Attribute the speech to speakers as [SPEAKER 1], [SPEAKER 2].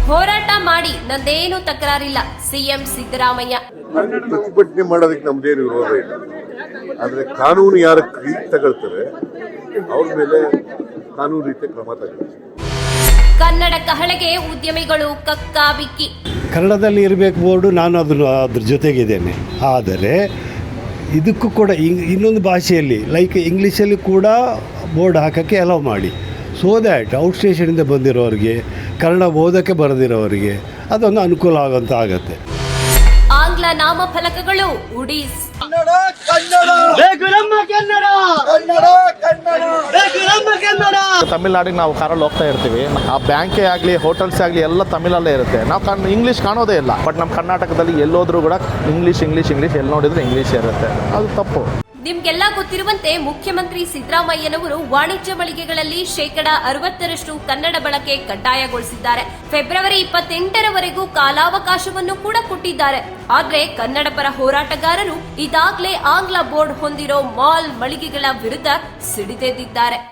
[SPEAKER 1] ಹೋರಾಟ ಮಾಡಿ ನಂದೇನು ತಕರಾರಿಲ್ಲ, ಸಿಎಂ ಸಿದ್ದರಾಮಯ್ಯ.
[SPEAKER 2] ಪ್ರತಿಭಟನೆ ಮಾಡೋದಕ್ಕೆ ನಮ್ದೇನು ವಿರೋಧ ಇಲ್ಲ, ಆದ್ರೆ ಕಾನೂನು ಯಾರು ತಗೊಳ್ತಾರೆ ಅವ್ರ ಮೇಲೆ ಕಾನೂನು ರೀತಿಯ ಕ್ರಮ ತಗೊಳ್ತಾರೆ.
[SPEAKER 1] ಕನ್ನಡ ಕಹಳೆಗೆ ಉದ್ಯಮಿಗಳು ಕಕ್ಕಾಬಿಕ್ಕಿ.
[SPEAKER 3] ಕನ್ನಡದಲ್ಲಿ ಇರಬೇಕು ಬೋರ್ಡು, ನಾನು ಅದ್ರ ಜೊತೆಗಿದ್ದೇನೆ. ಆದರೆ ಇದಕ್ಕೂ ಕೂಡ ಇನ್ನೊಂದು ಭಾಷೆಯಲ್ಲಿ ಲೈಕ್ ಇಂಗ್ಲೀಷಲ್ಲಿ ಕೂಡ ಬೋರ್ಡ್ ಹಾಕೋಕ್ಕೆ ಅಲೌ ಮಾಡಿ, ಸೋ ದ್ಯಾಟ್ ಔಟ್ ಸ್ಟೇಷನಿಂದ ಬಂದಿರೋರಿಗೆ, ಕನ್ನಡ ಓದೋಕ್ಕೆ ಬರೆದಿರೋರಿಗೆ ಅದೊಂದು ಅನುಕೂಲ ಆಗೋಂಥ ಆಗತ್ತೆ.
[SPEAKER 1] ಆಂಗ್ಲ ನಾಮಫಲಕಗಳು ಉಡೀಸ್.
[SPEAKER 4] ತಮಿಳ್ನಾಡಿಗೆ ನಾವು ಕಾರಲ್ಲಿ ಹೋಗ್ತಾ ಇರ್ತೀವಿ, ಆ ಬ್ಯಾಂಕೇ ಆಗಲಿ ಹೋಟೆಲ್ಸ್ ಆಗಲಿ ಎಲ್ಲ ತಮಿಳಲ್ಲೇ ಇರುತ್ತೆ. ನಾವು ಇಂಗ್ಲೀಷ್ ಕಾಣೋದೇ ಇಲ್ಲ. ಬಟ್ ನಮ್ಮ ಕರ್ನಾಟಕದಲ್ಲಿ ಎಲ್ಲೋದ್ರೂ ಕೂಡ ಇಂಗ್ಲೀಷ್ ಎಲ್ಲಿ ನೋಡಿದ್ರೆ ಇಂಗ್ಲೀಷ್ ಇರುತ್ತೆ. ಅದು ತಪ್ಪು.
[SPEAKER 1] ನಿಮ್ಗೆಲ್ಲ ಗೊತ್ತಿರುವಂತೆ ಮುಖ್ಯಮಂತ್ರಿ ಸಿದ್ದರಾಮಯ್ಯನವರು ವಾಣಿಜ್ಯ ಮಳಿಗೆಗಳಲ್ಲಿ 60% ಕನ್ನಡ ಬಳಕೆ ಕಡ್ಡಾಯಗೊಳಿಸಿದ್ದಾರೆ. ಫೆಬ್ರವರಿ 28ರವರೆಗೂ ಕಾಲಾವಕಾಶವನ್ನು ಕೂಡ ಕೊಟ್ಟಿದ್ದಾರೆ. ಆದ್ರೆ ಕನ್ನಡ ಪರ ಹೋರಾಟಗಾರರು ಇದಾಗಲೇ ಆಂಗ್ಲ ಬೋರ್ಡ್ ಹೊಂದಿರೋ ಮಾಲ್ ಮಳಿಗೆಗಳ ವಿರುದ್ಧ ಸಿಡಿದೆದ್ದಿದ್ದಾರೆ.